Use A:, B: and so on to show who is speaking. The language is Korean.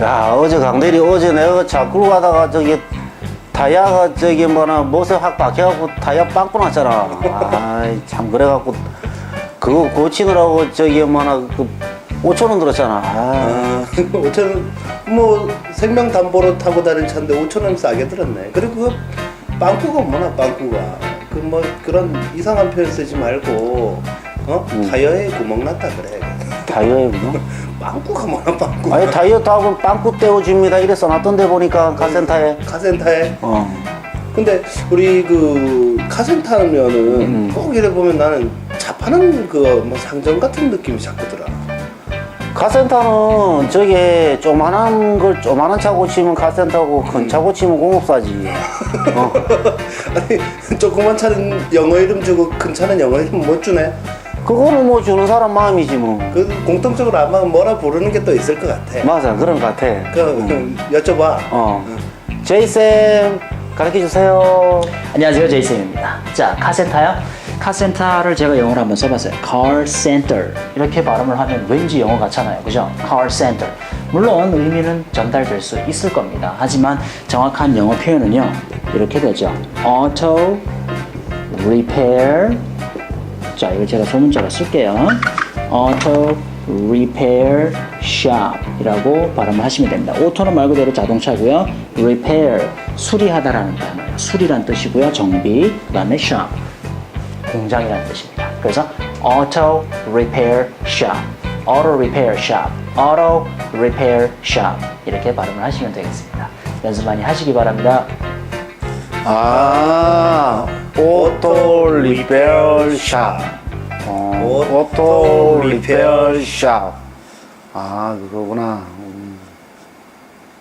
A: 야, 어제 강대리 어제 내가 차 끌고 가다가 저기 타이어가 저기 뭐나 못에 확 박혀갖고 타이어 빵꾸 났잖아. 아이 참 그래갖고 그거 고치느라고 저기 뭐나 그 5천 원 들었잖아. 아.
B: 5,000원 뭐 생명담보로 타고 다닐 차인데 5,000원 싸게 들었네. 그리고 그 빵꾸가 뭐나 빵꾸가 그 뭐 그런 이상한 표현 쓰지 말고 타이어에 구멍 났다 그래.
A: 타이어에 뭐?
B: 빵꾸가 뭐나 빵꾸.
A: 아니 타이어 타고 빵꾸 떼어줍니다 이래 써놨던데 보니까 카센터에.
B: 카센터에.
A: 어.
B: 근데 우리 그 카센터면은 꼭 이래 보면 나는 차 파는 그 뭐 상점 같은 느낌이 자꾸 들어.
A: 카센터는 저게 조그만한 걸 조그만한 차 고치면 카센터고 큰 차 고치면 공업사지. 어.
B: 아니 조그만 차는 영어 이름 주고 큰 차는 영어 이름 못 주네.
A: 그거는 뭐 주는 사람 마음이지 뭐.
B: 그 공통적으로 아마 뭐라 부르는 게 또 있을 것 같아.
A: 맞아 그런 것 같아.
B: 여쭤봐.
A: 제이쌤 가르쳐 주세요.
C: 안녕하세요, 제이쌤입니다. 자, 카센터요? 카센터를 제가 영어로 한번 써봤어요. Car Center 이렇게 발음을 하면 왠지 영어 같잖아요, 그죠? Car Center. 물론 의미는 전달될 수 있을 겁니다. 하지만 정확한 영어 표현은요 이렇게 되죠. Auto Repair. 자, 이거 제가 소문자로 쓸게요. Auto Repair Shop 이라고 발음을 하시면 됩니다. 오토는 말 그대로 자동차고요. Repair, 수리하다라는 단어예요. 수리란 뜻이고요. 정비, 그 다음에 shop, 공장이라는 뜻입니다. 그래서 Auto Repair Shop, Auto Repair Shop, Auto Repair Shop 이렇게 발음을 하시면 되겠습니다. 연습 많이 하시기 바랍니다.
A: 아, 오토 리페어 샵. 오토 리페어 샵. 아, 그거구나.